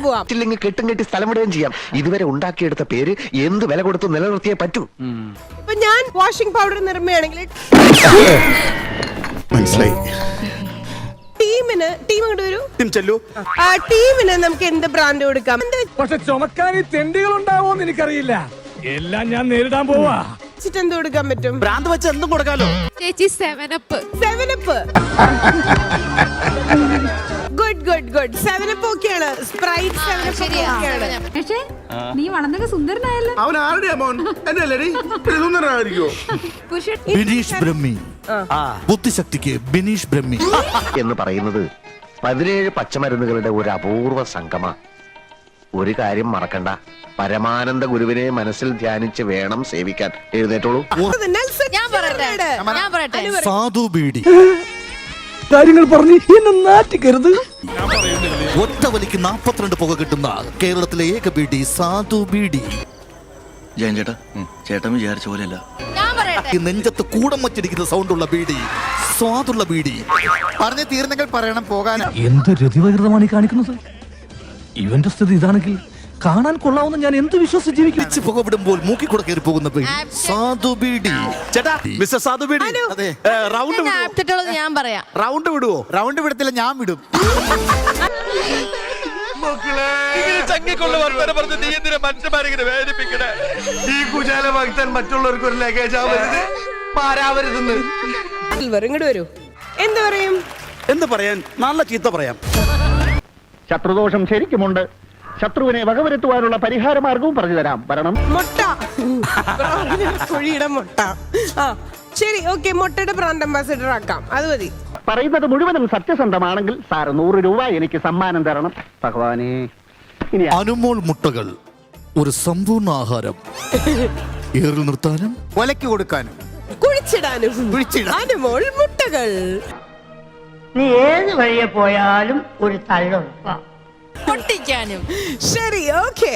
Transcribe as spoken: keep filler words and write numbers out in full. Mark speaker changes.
Speaker 1: പോവാം.
Speaker 2: ഇല്ലെങ്കിൽ കെട്ടും കെട്ടി സ്ഥലം വിടുകയും ചെയ്യാം. ഇതുവരെ ഉണ്ടാക്കിയെടുത്ത പേര് എന്ത് വില കൊടുത്ത് നിലനിർത്തിയേ പറ്റൂ.
Speaker 1: ഇപ്പൊ ഞാൻ വാഷിംഗ് പൗഡർ നിർമ്മയാണെങ്കിൽ
Speaker 3: മനസ്സിലായി.
Speaker 1: ടീമിന് ടീം അങ്ങോട്ട് വരൂ.
Speaker 3: ടീം ചെല്ലു.
Speaker 1: ആ ടീമിന് നമുക്ക് എന്ത് ബ്രാൻഡ് കൊടുക്കാം?
Speaker 4: പക്ഷെ ചുമക്കാൻ ഈ തെണ്ടികൾ ഉണ്ടാവോന്ന് എനിക്കറിയില്ല. എല്ലാം ഞാൻ നേരിടാൻ പോവാ.
Speaker 1: എന്ത് കൊടുക്കാൻ പറ്റും?
Speaker 3: ഭ്രാന്ത് വെച്ച് എന്തും കൊടുക്കാലോ.
Speaker 5: ചേച്ചി seven up.
Speaker 1: Seven up. Good good good. Seven up ഓക്കെയാണ്. സ്പ്രൈറ്റ് സെവൻ അപ്പ് ഓക്കെയാണ്.
Speaker 5: പക്ഷേ നീ വളർന്നൊക്കെ സുന്ദരനായല്ലോ.
Speaker 6: അവൻ ആരുടെയാ മോൻ? എന്റെ അല്ലേടി സുന്ദരനായിരിക്കോ?
Speaker 7: ബിനീഷ് ബ്രഹ്മി. ബുദ്ധിശക്തിക്ക് ബിനീഷ് ബ്രഹ്മി
Speaker 2: എന്ന് പറയുന്നത് പതിനേഴ് പച്ചമരുന്നുകളുടെ ഒരു അപൂർവ സംഗമ. ഒരു കാര്യം മറക്കണ്ട, പരമാനന്ദ ഗുരുവിനെ മനസ്സിൽ ധ്യാനിച്ച് വേണം സേവിക്കാൻ. എഴുന്നേറ്റോളൂ.
Speaker 5: ഞാൻ പറയട്ടെ ഞാൻ പറയട്ടെ
Speaker 7: സാധു ബീഡി.
Speaker 4: കാര്യങ്ങൾ പറഞ്ഞ് എന്നെ നാറ്റിക്കരുത്.
Speaker 7: ഒറ്റ വലിക്ക് നാപ്പത്തിരണ്ട് പുക കിട്ടുന്ന കേരളത്തിലെ ഏക ബീഡി സാധു ബീഡി.
Speaker 8: ജയൻ ചേട്ടാ, ചേട്ടൻ വിചാരിച്ച പോലെയല്ല.
Speaker 5: ഞാൻ പറയട്ടെ
Speaker 7: ഈ നെഞ്ചത്ത് കൂടം വച്ചിരിക്കുന്ന സൗണ്ടുള്ള ബീഡി സ്വാദുള്ള ബീഡി.
Speaker 3: പറഞ്ഞു തീർന്നെങ്കിൽ പറയണം പോകാൻ.
Speaker 4: എന്ത് രതിവകൃതമാണ് ഈ കാണിക്കുന്നത്? ഇവന്റെ സ്ഥിതി ഇതാണെങ്കിൽ കാണാൻ കൊള്ളാവുന്ന ഞാൻ എന്ത് വിശ്വസിച്ച് ജീവിക്കും?
Speaker 7: വെച്ച് പുക വിടുമ്പോൾ മൂക്കിക്കൂടെ കയറി പോകുന്ന ബീഡി സാധു ബീഡി.
Speaker 3: ചേട്ടാ മിസ്റ്റർ സാധു ബീഡി,
Speaker 7: അതെ,
Speaker 3: റൗണ്ട് വിടുവോ?
Speaker 5: ആപ്റ്റിട്ടുള്ളത് ഞാൻ പറയാം.
Speaker 3: റൗണ്ട് വിടുവോ?
Speaker 7: റൗണ്ട് വിടത്തില്ല, ഞാൻ വിടും.
Speaker 6: ഈ കുചാല ഭക്തൻ മറ്റുള്ളവർക്ക് ഒരു ലഗേജ് ആവരുത്, പാരാവരുതെന്ന്.
Speaker 1: ഇങ്ങോട്ട് വരൂ. എന്ത് പറയും?
Speaker 3: എന്ത് പറയാൻ? നല്ല ചീത്ത പറയാം.
Speaker 2: ശത്രുദോഷം ശരിക്കുമുണ്ട്. ശത്രുവിനെ വകവരുത്തുവാനുള്ള പരിഹാര മാർഗവും പറഞ്ഞു തരാം. വരണം.
Speaker 1: മുട്ട. കുഴിയുടെ മുട്ട. ആ ശരി, ഓക്കെ. മുട്ടയുടെ ബ്രാൻഡ് അംബാസിഡർ ആക്കാം. അത് മതി.
Speaker 2: പറയുന്നത് മുഴുവനും സത്യസന്ധമാണെങ്കിൽ സാർ നൂറ് രൂപ എനിക്ക് സമ്മാനം തരണം. ഭഗവാനെ. ഇനി
Speaker 7: അനുമോൾ മുട്ടകൾ ഒരു സമ്പൂർണ്ണ ആഹാരം. ഏറിൽ നിർത്താനും
Speaker 3: ഒലയ്ക്ക് കൊടുക്കാനും
Speaker 1: കുഴിച്ചിടാനും. അനുമോൾ മുട്ടകൾ.
Speaker 9: നീ ഏത് വഴിയെ പോയാലും ഒരു തള്ളുറപ്പാ.
Speaker 5: പൊട്ടിക്കാനും.
Speaker 1: ശരി, ഓക്കെ.